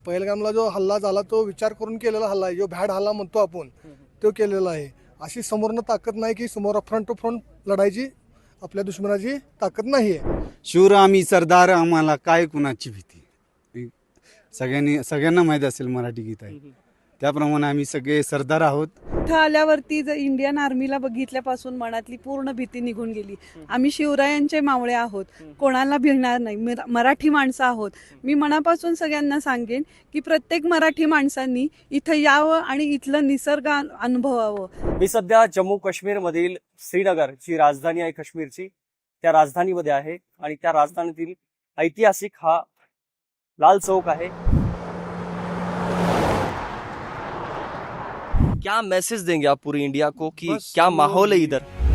पहलगामला जो हल्ला झाला तो विचार करून केलेला हल्ला आहे, जो भॅड हल्ला म्हणतो आपण तो केलेला आहे. अशी समोरनं ताकद नाही की समोर फ्रंट टू फ्रंट लढायची आपल्या दुश्मनाची ताकद नाही आहे. शूर आम्ही सरदार, आम्हाला काय कुणाची भीती. सगळ्यांना माहीत असेल मराठी गीत आहे, त्याप्रमाणे आम्ही सगळे सरदार आहोत. इथं आल्यावरती जर इंडियन आर्मीला बघितल्यापासून मनातली पूर्ण भीती निघून गेली. आम्ही शिवरायांचे मावळे आहोत, कोणाला भिणार नाही, मराठी माणसं आहोत. मी मनापासून सगळ्यांना सांगेन की प्रत्येक मराठी माणसांनी इथं यावं आणि इथलं निसर्ग अनुभवावं. मी सध्या जम्मू काश्मीरमधील श्रीनगर जी राजधानी आहे काश्मीरची, त्या राजधानीमध्ये आहे आणि त्या राजधानीतील ऐतिहासिक हा लाल चौक आहे. क्या मैसेज देंगे आप पूरी इंडिया को कि क्या माहौल है इधर?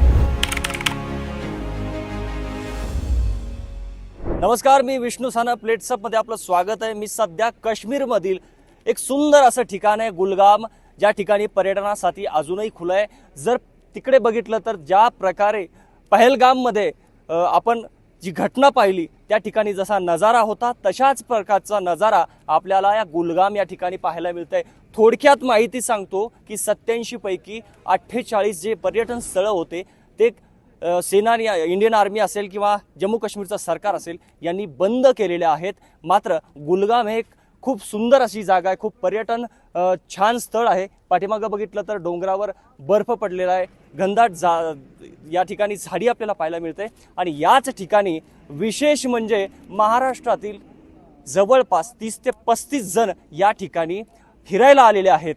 नमस्कार, मी विष्णू साना प्लेट्सअप मध्ये आपलं स्वागत आहे. मी सध्या काश्मीरमधील एक सुंदर असं ठिकाण आहे गुलगाम, ज्या ठिकाणी पर्यटनासाठी अजूनही खुलं आहे. जर तिकडे बघितलं तर ज्या प्रकारे पहलगाममध्ये आपण जी घटना पाहिली त्या ठिकाणी जसा नजारा होता तशाच प्रकारचा नजारा आपल्याला या गुलगाम या ठिकाणी पाहायला मिळतंय. थोडक्यात माहिती सांगतो की 87 पैकी 48 जे पर्यटन स्थळं होते ते सेनानी, इंडियन आर्मी असेल किंवा जम्मू काश्मीरचं सरकार असेल यांनी बंद केलेले आहेत. मात्र गुलगाम हे एक खूप सुंदर अशी जागा आहे, खूप पर्यटन छान स्थळ आहे. पाठीमागं बघितलं तर डोंगरावर बर्फ पडलेला आहे, घनदाट या ठिकाणी झाडी आपल्याला पाहायला मिळते. आणि याच ठिकाणी विशेष म्हणजे महाराष्ट्रातील जवळपास 30 ते 35 जण या ठिकाणी फिरायला आलेले आहेत.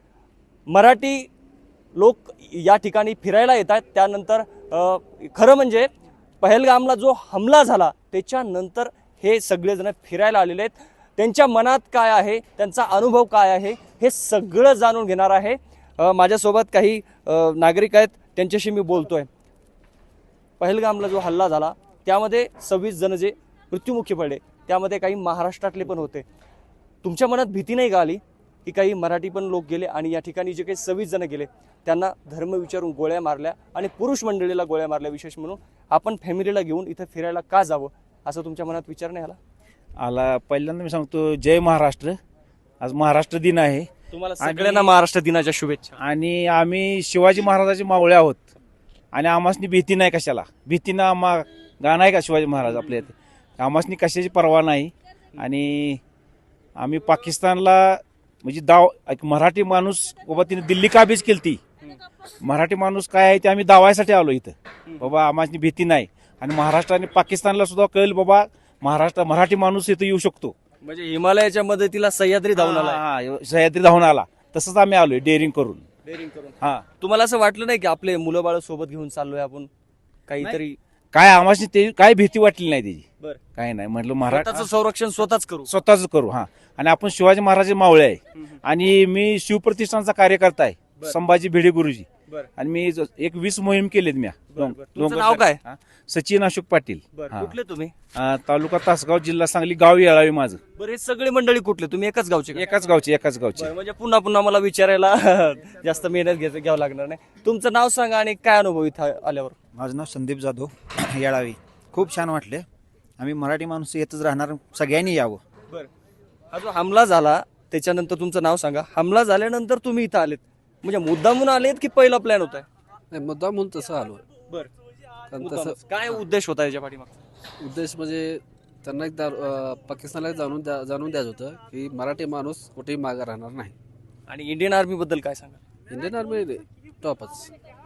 मराठी लोक या ठिकाणी फिरायला येत आहेत. त्यानंतर खरं म्हणजे पहलगामला जो हमला झाला त्याच्यानंतर हे सगळेजण फिरायला आलेले आहेत. त्यांच्या मनात काय आहे, त्यांचा अनुभव काय आहे, हे सगळं जाणून घेणार आहे. माझ्यासोबत काही नागरिक आहेत, त्यांच्याशी मी बोलतोय. पहलगामला जो हल्ला झाला त्यामध्ये 26 जण जे मृत्युमुखी पडले त्यामध्ये काही महाराष्ट्रातले पण होते. तुमच्या मनात भीती नाही का आली की काही मराठी पण लोक गेले आणि या ठिकाणी जे काही 26 जण गेले त्यांना धर्म विचारून गोळ्या मारल्या आणि पुरुष मंडळीला गोळ्या मारल्या? विशेष म्हणून आपण फॅमिलीला घेऊन इथं फिरायला का जावं असं तुमच्या मनात विचार नाही आला? पहिल्यांदा मी सांगतो जय महाराष्ट्र. आज महाराष्ट्र दिन आहे. तुम्हाला सगळ्यांना महाराष्ट्र दिनाच्या शुभेच्छा. आणि आम्ही शिवाजी महाराजाचे मावळे आहोत आणि आम्हासनी भीती नाही. कशाला भीतीनं गाणं आहे का शिवाजी महाराज आपल्या इथे? आम्हासनी कशाची पर्वा नाही. आणि आम्ही पाकिस्तानला म्हणजे एक मराठी माणूस बाबा तिने दिल्ली काबीज केली. मराठी माणूस काय आहे ते आम्ही दावायसाठी आलो इथं. बाबा आम्हासनी भीती नाही. आणि महाराष्ट्र आणि पाकिस्तानला सुद्धा कळेल बाबा मराठी माणूस इथं येऊ शकतो. म्हणजे हिमालयाच्या मदतीला सह्याद्री धावून आला. सह्याद्री धावून आला. तसंच आम्ही आलोय डेअरिंग करून. हा, तुम्हाला असं वाटलं नाही की आपले मुलं बाळ सोबत घेऊन चाललोय आपण काहीतरी? काय आम्हाला ते काय भीती वाटली नाही त्याची. बरं, काय नाही म्हटलं महाराष्ट्राचं स्वतःचं संरक्षण स्वतःच करू. स्वतःच करू. हा, आणि आपण शिवाजी महाराज मावळे आहे आणि मी शिवप्रतिष्ठानचा कार्यकर्ता आहे, संभाजी भिडे गुरुजी. बरं. आणि मी एक 20 मोहीम केलेत मी. तुमचं नाव काय? सचिन अशोक पाटील. कुठले तुम्ही? तालुका तासगाव, जिल्हा सांगली, गाव येळावी माझं. बरं, हे सगळे मंडळी कुठले? तुम्ही एकाच गावचे का? एकाच गावचे. म्हणजे पुन्हा पुन्हा मला विचारायला जास्त मेहनत घ्यावं लागणार नाही. तुमचं नाव सांगा आणि काय अनुभव इथं आल्यावर? माझं नाव संदीप जाधव, येळावी. खूप छान वाटले. आम्ही मराठी माणूस येतच राहणार, सगळ्यांनी यावं. बरं, हा जो हमला झाला त्याच्यानंतर तुमचं नाव सांगा. हमला झाल्यानंतर तुम्ही इथं आलेत म्हणजे मुद्दामून आलेत की पहिला प्लॅन होता? नाही, मुद्दा म्हणून तसं आलो. बरं, कारण तसं काय उद्देश होता याच्या पाठीमागचा? उद्देश म्हणजे त्यांना एक पाकिस्तानला जाणून द्यायचं होतं की मराठी माणूस कुठेही मागे राहणार नाही. आणि इंडियन आर्मी बद्दल काय सांगा? इंडियन आर्मी टॉपच.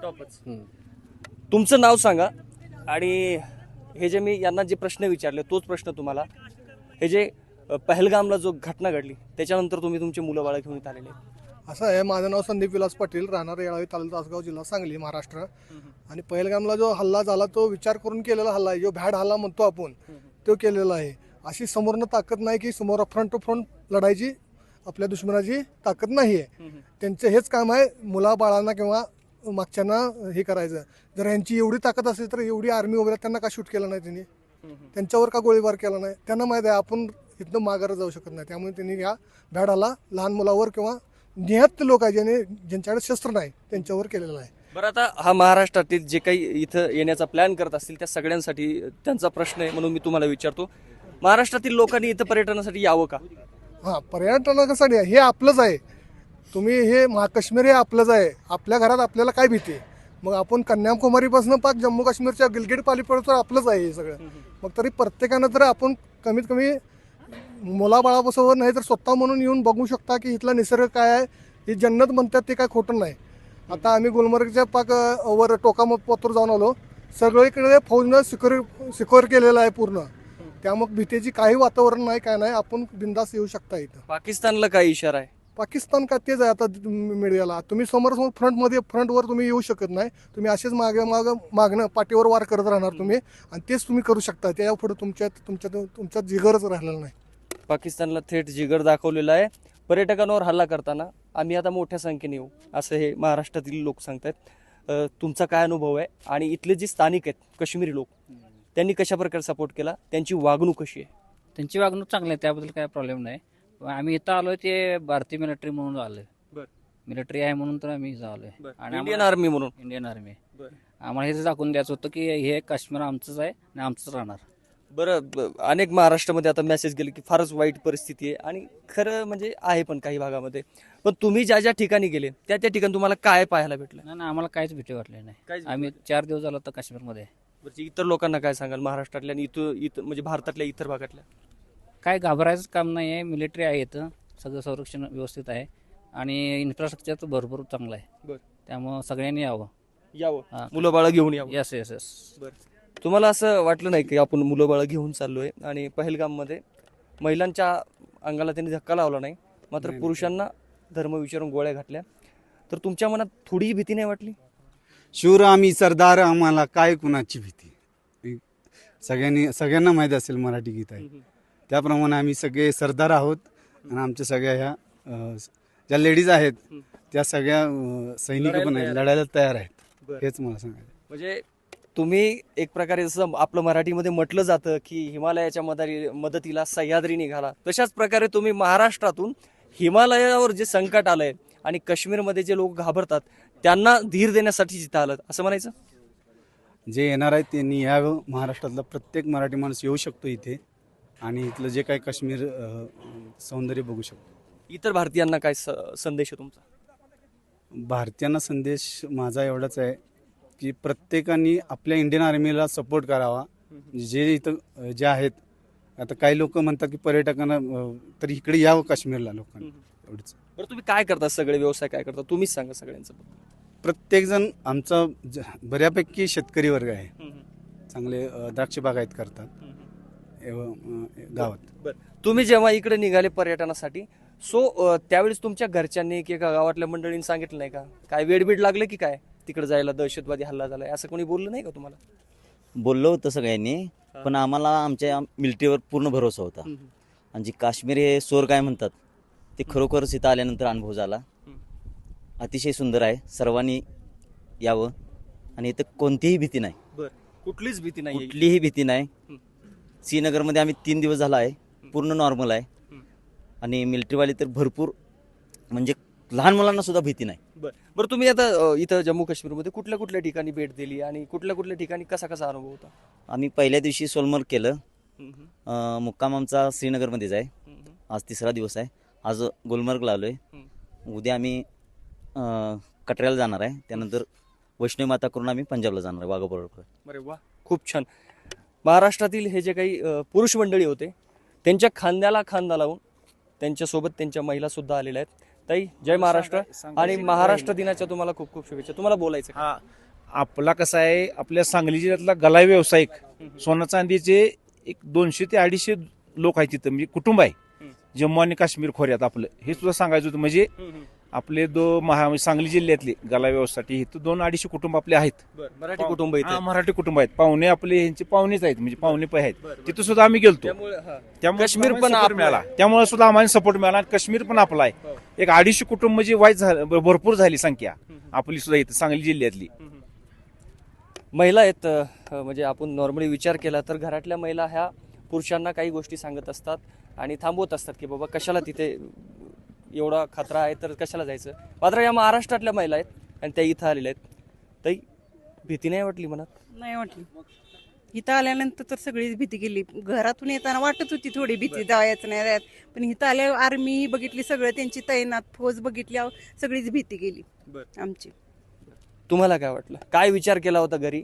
तुमचं नाव सांगा. आणि हे जे मी यांना जे प्रश्न विचारले तोच प्रश्न तुम्हाला. हे जे पहलगामला जो घटना घडली त्याच्यानंतर तुम्ही तुमचे मुलं बाळं घेऊन इथं आलेले? असं आहे, माझं नाव संदीप विलास पाटील, राहणार येळावी, तालुका तासगाव, जिल्हा सांगली, महाराष्ट्र. आणि पहलगामला जो हल्ला झाला तो विचार करून केलेला हल्ला आहे, जो भॅड हल्ला म्हणतो आपण तो केलेला आहे. अशी समोरनं ताकद नाही की समोर फ्रंट टू फ्रंट लढायची आपल्या दुश्मनाची ताकद नाही आहे. त्यांचं हेच काम आहे, मुलाबाळांना किंवा मागच्यांना हे करायचं. जर यांची एवढी ताकद असेल तर एवढी आर्मी वगैरे त्यांना का शूट केलं नाही त्यांनी? त्यांच्यावर का गोळीबार केला नाही? त्यांना माहिती आहे आपण इथनं माघार जाऊ शकत नाही. त्यामुळे त्यांनी या भॅड हल्ला लहान मुलावर किंवा निहत लोक आहे ज्यांच्याकडे शस्त्र नाही त्यांच्यावर केलेला आहे. बरं, आता हा महाराष्ट्रातील जे काही इथं येण्याचा प्लॅन करत असतील त्या सगळ्यांसाठी त्यांचा प्रश्न आहे म्हणून मी तुम्हाला विचारतो. महाराष्ट्रातील लोकांनी इथं पर्यटनासाठी यावं का? हां, पर्यटनासाठी हे आपलंच आहे. तुम्ही हे काश्मीर हे आपलंच आहे. आपल्या घरात आपल्याला काय भीती आहे? मग आपण कन्याकुमारीपासून पाक जम्मू काश्मीरच्या गिलगिट पालीपर्यंत आपलंच आहे हे सगळं. मग तरी प्रत्येकानं तर आपण कमीत कमी मुलाबाळापासून नाही तर स्वतः म्हणून येऊन बघू शकता की इथला निसर्ग काय आहे. ही जन्नत म्हणतात ते काय खोटं नाही. आता आम्ही गुलमर्गच्या पाक वर टोकापत्र जाऊन आलो. सगळीकडे फौजनं सिक्युअर केलेलं आहे पूर्ण. त्यामुळे भीतीची काही वातावरण नाही, काय नाही. आपण बिंदास येऊ शकता इथं. पाकिस्तानला काय इशारा आहे? पाकिस्तान का तेच आहे आता मीडियाला. तुम्ही समोर फ्रंटवर तुम्ही येऊ शकत नाही. तुम्ही असेच मागणं पाठीवर वार करत राहणार तुम्ही, आणि तेच तुम्ही करू शकता. त्या पुढे तुमच्यात जिगरच राहिलेला नाही. पाकिस्तानला थेट जिगर दाखवलेला आहे. पर्यटकांवर हल्ला करताना आम्ही आता मोठ्या संख्येने येऊ असं हे महाराष्ट्रातील लोक सांगतात. तुमचा काय अनुभव आहे आणि इथले जे स्थानिक आहेत काश्मीरी लोक त्यांनी कशा प्रकारे सपोर्ट केला, त्यांची वागणूक कशी आहे? त्यांची वागणूक चांगली आहे, त्याबद्दल काय प्रॉब्लेम नाही. आम्ही इथं आलोय ते भारतीय मिलिटरी म्हणून आलोय. मिलिटरी आहे म्हणून तर आम्ही इथं आलोय. आणि इंडियन आर्मी म्हणून. Indian army. आम्हाला हे दाखवून द्यायचं होतं की हे काश्मीर आमचंच आहे आणि आमचंच राहणार. बरं, अनेक महाराष्ट्रामध्ये आता मेसेज गेले की फारच वाईट परिस्थिती आहे, आणि खरं म्हणजे आहे पण काही भागामध्ये. पण तुम्ही ज्या ज्या ठिकाणी गेले त्या त्या ठिकाणी तुम्हाला काय पाहायला भेटलं? नाही, आम्हाला काहीच भीती वाटली नाही. काहीच भीती आम्ही 4 दिवस झालो तर काश्मीरमध्ये. बरं, इतर लोकांना काय सांगाल महाराष्ट्रातल्या आणि इथं म्हणजे भारतातल्या इतर भागातल्या? काय घाबरायचं काम नाही आहे. मिलिटरी आहे इथं, सगळं संरक्षण व्यवस्थित आहे आणि इन्फ्रास्ट्रक्चर तर भरपूर चांगलं आहे. बरं. त्यामुळं सगळ्यांनी यावं. यावं, मुलं बाळं घेऊन यावं. Yes yes yes. बरं, तुम्हाला असं वाटलं नाही की आपण मुलं बाळं घेऊन चाललोय आणि पहलगाममध्ये महिलांच्या अंगाला त्यांनी धक्का लावला नाही, मात्र पुरुषांना धर्म विचारून गोळ्या घातल्या, तर तुमच्या मनात थोडीही भीती नाही वाटली? शूर आम्ही सरदार, आम्हाला काय कुणाची भीती. सगळ्यांना माहीत असेल मराठी गीत आहे. त्याप्रमाणे आम्ही सगळे सरदार आहोत. आणि आमच्या सगळ्या ह्या ज्या लेडीज आहेत त्या सगळ्या सैनिक पण आहेत, लढायला तयार आहेत. हेच मला सांगायचं. म्हणजे तुम्ही एक प्रकारे जसं आपलं मराठीमध्ये म्हटलं जातं की हिमालयाच्या मदतीला सह्याद्री निघाला, तशाच प्रकारे तुम्ही महाराष्ट्रातून हिमालयावर जे संकट आलंय आणि काश्मीरमध्ये जे लोक घाबरतात त्यांना धीर देण्यासाठी जिथं आलं असं म्हणायचं? जे येणार आहेत त्यांनी यावं. महाराष्ट्रातला प्रत्येक मराठी माणूस येऊ शकतो इथे आणि इथलं जे काही काश्मीर सौंदर्य बघू शकतो. इतर भारतीयांना काय संदेश आहे तुमचा? भारतीयांना संदेश माझा एवढाच आहे की प्रत्येकाने आपल्या इंडियन आर्मीला सपोर्ट करावा. जे इथं जे आहेत, आता काही लोक म्हणतात की पर्यटकांना तर इकडे यावं काश्मीरला लोकांना, एवढंच. बरं, तुम्ही काय करता? सगळे व्यवसाय काय करता? तुम्हीच सांगा सगळ्यांचं. प्रत्येकजण आमचा बऱ्यापैकी शेतकरी वर्ग आहे. चांगले द्राक्ष बागायत करतात गावात. बरं, तुम्ही जेव्हा इकडे निघाले पर्यटनासाठी, त्यावेळेस तुमच्या घरच्यांनी किंवा गावातल्या मंडळींनी सांगितलं नाही का काय वेडबीड लागलं की काय तिकडे जायला, दहशतवादी हल्ला झालाय असं कोणी बोललं नाही का तुम्हाला? बोललो होतं सगळ्यांनी, पण आम्हाला आमच्या मिलिटरीवर पूर्ण भरोसा होता. आणि जी काश्मीर हे सोर काय म्हणतात ते खरोखरच इथं आल्यानंतर अनुभव झाला. अतिशय सुंदर आहे. सर्वांनी यावं आणि इथं कोणतीही भीती नाही. बरं, कुठलीच भीती नाही? कुठलीही भीती नाही. श्रीनगरमध्ये आम्ही 3 दिवस झाला आहे, पूर्ण नॉर्मल आहे. आणि मिलिटरीवाले तर भरपूर, म्हणजे लहान मुलांना सुद्धा भीती नाही. बरं, तुम्ही आता इथं जम्मू काश्मीरमध्ये कुठल्या कुठल्या ठिकाणी भेट दिली आणि कुठल्या कुठल्या ठिकाणी कसा कसा अनुभव होता? आम्ही पहिल्या दिवशी सोलमर्ग केलं. मुक्काम आमचा श्रीनगरमध्येच आहे. आज 3रा दिवस आहे. आज गुलमर्गला आलोय. उद्या आम्ही कटऱ्याला जाणार आहे. त्यानंतर वैष्णवी माता करून आम्ही पंजाबला जाणार आहे, वाघा बॉर्डर. अरे वा, खूप छान. महाराष्ट्रातील हे जे काही पुरुष मंडळी होते त्यांच्या खांद्याला खांदा लावून त्यांच्यासोबत त्यांच्या महिला सुद्धा आलेल्या आहेत. ताई, जय महाराष्ट्र आणि महाराष्ट्र दिनाच्या तुम्हाला खूप खूप शुभेच्छा. तुम्हाला बोलायचं का? हा, आपला कसं आहे, आपल्या सांगली जिल्ह्यातला गलाई व्यावसायिक सोनं चांदीचे एक 200 ते 250 लोक आहेत तिथं, म्हणजे कुटुंब आहे जम्मू आणि काश्मीर खोऱ्यात. आपलं हे सुद्धा सांगायचं होतं. म्हणजे आपले सांगली जिल्ह्यातले गलाई व्यवसायासाठी इथं 200-250 कुटुंब आपले आहेत. मराठी कुटुंब इथे? मराठी कुटुंब आहेत. पाहुणे आपले ह्यांचे पाहुणेच आहेत, म्हणजे पाहुणे पण आहेत. तिथं सुद्धा आम्ही गेलतो. त्यामुळे काश्मीर पण मिळाला. त्यामुळे सुद्धा आम्हाला सपोर्ट मिळाला. काश्मीर पण आपला आहे. एक 250 कुटुंब म्हणजे वाईट झालं, भरपूर झाली संख्या आपली सुद्धा इथं सांगली जिल्ह्यातली. महिला आहेत, म्हणजे आपण नॉर्मली विचार केला तर घरातल्या महिला ह्या पुरुषांना काही गोष्टी सांगत असतात आणि थांबवत असतात की बाबा कशाला तिथे एवढा खतरा आहे तर कशाला जायचं. मात्र या महाराष्ट्रातल्या महिला आहेत आणि त्या इथं आलेल्या आहेत. ताई, भीती नाही वाटली मनात? नाही वाटली. इथं आल्यानंतर तर सगळीच भीती गेली. घरातून येताना वाटत होती थोडी भीती, जायचं नाही जायचं, पण इथं आल्यावर आर्मी बघितली, सगळं त्यांची तैनात फौज बघितल्यावर सगळीच भीती गेली आमची. तुम्हाला काय वाटलं? काय विचार केला होता घरी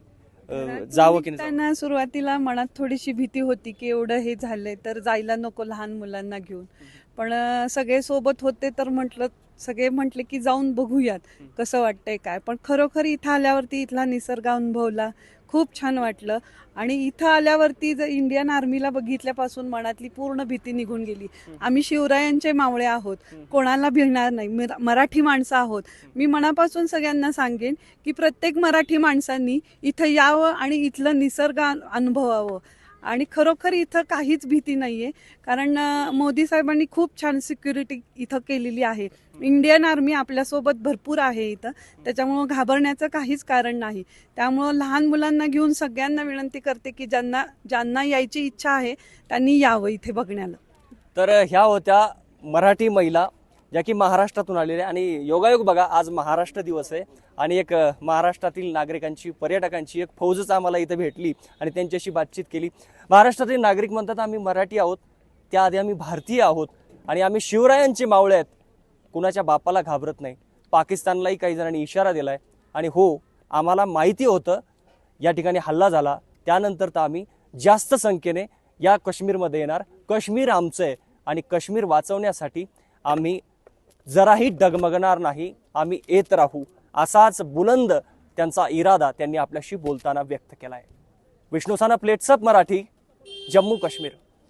जावं की नाही? त्यांना सुरुवातीला मनात थोडीशी भीती होती की एवढं हे झालंय तर जायला नको लहान मुलांना घेऊन, पण सगळे सोबत होते तर सगळे म्हटले की जाऊन बघूयात कसं वाटतंय काय. पण खरोखर इथं आल्यावरती इथला निसर्ग अनुभवला, खूप छान वाटलं. आणि इथं आल्यावरती जर इंडियन आर्मीला बघितल्यापासून मनातली पूर्ण भीती निघून गेली. आम्ही शिवरायांचे मावळे आहोत, कोणाला भिणार नाही, मराठी माणसं आहोत. मी मनापासून सगळ्यांना सांगेन की प्रत्येक मराठी माणसांनी इथं यावं आणि इथलं निसर्ग अनुभवावं. आणि खरोखर इथं काहीच भीती नाहीये, कारण मोदी साहेबांनी खूप छान सिक्युरिटी इथं केलेली आहे. इंडियन आर्मी आपल्यासोबत भरपूर आहे इथं, त्याच्यामुळं घाबरण्याचं काहीच कारण नाही. त्यामुळं लहान मुलांना घेऊन सगळ्यांना विनंती करते की ज्यांना यायची इच्छा आहे त्यांनी यावं इथे बघण्याला. तर ह्या होत्या मराठी महिला ज्या की महाराष्ट्रातून आलेल्या. आणि योगायोग बघा, आज महाराष्ट्र दिवस आहे आणि एक महाराष्ट्रातील नागरिकांची, पर्यटकांची एक फौजच आम्हाला इथं भेटली आणि त्यांच्याशी बातचीत केली. महाराष्ट्रातील नागरिक म्हणतात आम्ही मराठी आहोत, त्याआधी आम्ही भारतीय आहोत आणि आम्ही शिवरायांचे मावळे आहेत, कुणाच्या बापाला घाबरत नाही. पाकिस्तानलाही काही जणांनी इशारा दिलाय आणि हो, आम्हाला माहिती होतं या ठिकाणी हल्ला झाला, त्यानंतर तर आम्ही जास्त संख्येने या काश्मीरमध्ये येणार. काश्मीर आमचं आहे आणि काश्मीर वाचवण्यासाठी आम्ही जराही डगमगणार नाही, आम्ही येत राहू, असाच बुलंद त्यांचा इरादा त्यांनी आपल्याशी बोलताना व्यक्त केला आहे. विष्णू साना, प्लेट्सअप मराठी, जम्मू काश्मीर.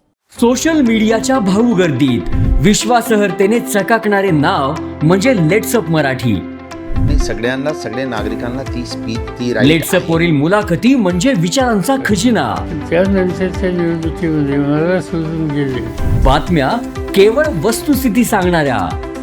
सोशल मीडियाच्या भाऊ गर्दीत विश्वासार्हतेने चकाकणारे नाव म्हणजे लेट्सअप मराठी. सगळ्यांना, सगळ्या नागरिकांना ती स्पीच, ती लेट्सअप वरील मुलाखती म्हणजे विचारांचा खजिना. त्यानंतरच्या निवडणुकीमध्ये मला सोडून गेले. बातम्या केवळ वस्तुस्थिती सांगणाऱ्या,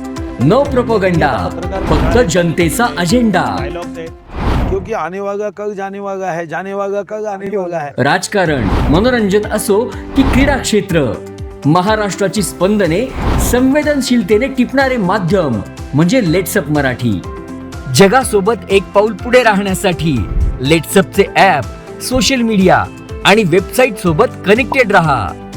न प्रोपगंडा, फक्त जनतेचा अजेंडा. क्योंकि आने वाला कल जाने वाला है, जाने वाला कल आने वाला है. राजकारण, मनोरंजन असो की क्रीडा क्षेत्र, महाराष्ट्राची स्पंदने संवेदनशीलतेने टिपणारे माध्यम म्हणजे लेट्सअप मराठी. जगासोबत एक पाऊल पुढे राहण्यासाठी लेट्सअपचे ॲप, सोशल मीडिया आणि वेबसाईट सोबत कनेक्टेड रहा.